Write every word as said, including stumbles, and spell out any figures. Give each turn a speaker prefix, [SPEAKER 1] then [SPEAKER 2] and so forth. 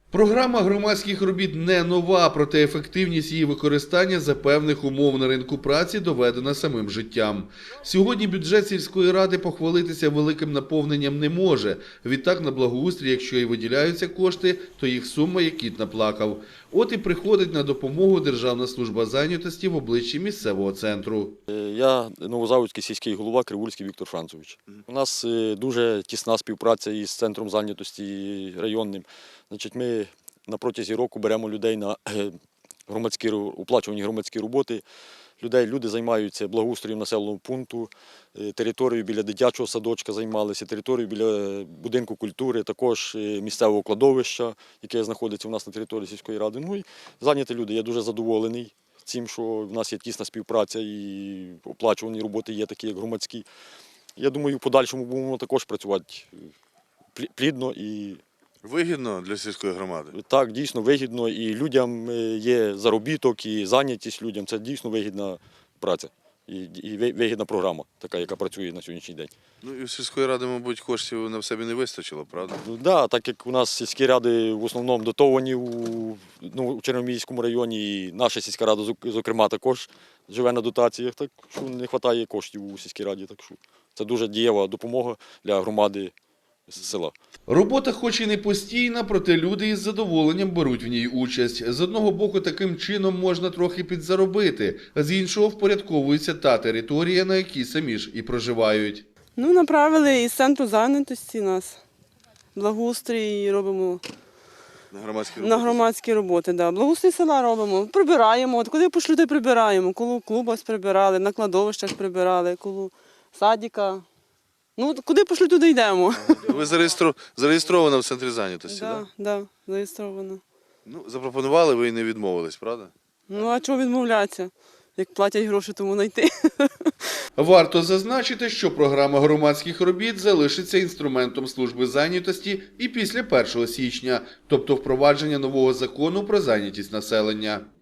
[SPEAKER 1] Програма громадських робіт не нова, проте ефективність її використання за певних умов на ринку праці доведена самим життям. Сьогодні бюджет сільської ради похвалитися великим наповненням не може. Відтак на благоустрій, якщо і виділяються кошти, то їх сума як кіт наплакав. От і приходить на допомогу Державна служба зайнятості в обличчі місцевого центру.
[SPEAKER 2] Я Новозаводський сільський голова Кривульський Віктор Францович. У нас дуже тісна співпраця із центром зайнятості районним. Значить, ми на протязі року беремо людей на громадські, оплачувані громадські роботи. Людей, люди займаються благоустроєм населеного пункту, територією біля дитячого садочка займалися, територією біля будинку культури, також місцевого кладовища, яке знаходиться у нас на території сільської ради. Ну і зайняті люди. Я дуже задоволений цим, що в нас є тісна співпраця і оплачувані роботи є такі, як громадські. Я думаю, в подальшому будемо також працювати плідно і
[SPEAKER 3] вигідно для сільської громади?
[SPEAKER 2] Так, дійсно вигідно. І людям є заробіток, і зайнятість людям. Це дійсно вигідна праця і вигідна програма, така, яка працює на сьогоднішній день.
[SPEAKER 3] Ну і в сільської ради, мабуть, коштів на себе не вистачило, правда?
[SPEAKER 2] Так, да, так як у нас сільські ради в основному дотовані у, ну, у Черномірському районі, і наша сільська рада, зокрема, також живе на дотаціях, так що не вистачає коштів у сільській раді. Так що це дуже дієва допомога для громади села.
[SPEAKER 1] Робота хоч і не постійна, проте люди із задоволенням беруть в ній участь. З одного боку, таким чином можна трохи підзаробити, з іншого впорядковується та територія, на якій самі ж і проживають.
[SPEAKER 4] Ну, направили із центру зайнятості нас. Благоустрій робимо
[SPEAKER 3] на громадські роботи.
[SPEAKER 4] На громадські роботи, да. Благоустрій села робимо, прибираємо. От куди пошлю, то прибираємо. Коло клуба прибирали, на кладовищах прибирали, коло садика. Ну, куди пошлю, туди йдемо.
[SPEAKER 3] Ви зареєстру... зареєстрована в центрі зайнятості, так?
[SPEAKER 4] Так, да, да, зареєстровано.
[SPEAKER 3] Ну, запропонували, ви і не відмовились, правда?
[SPEAKER 4] Ну, а чого відмовлятися? Як платять гроші, тому знайти.
[SPEAKER 1] Варто зазначити, що програма громадських робіт залишиться інструментом служби зайнятості і після першого січня, тобто впровадження нового закону про зайнятість населення.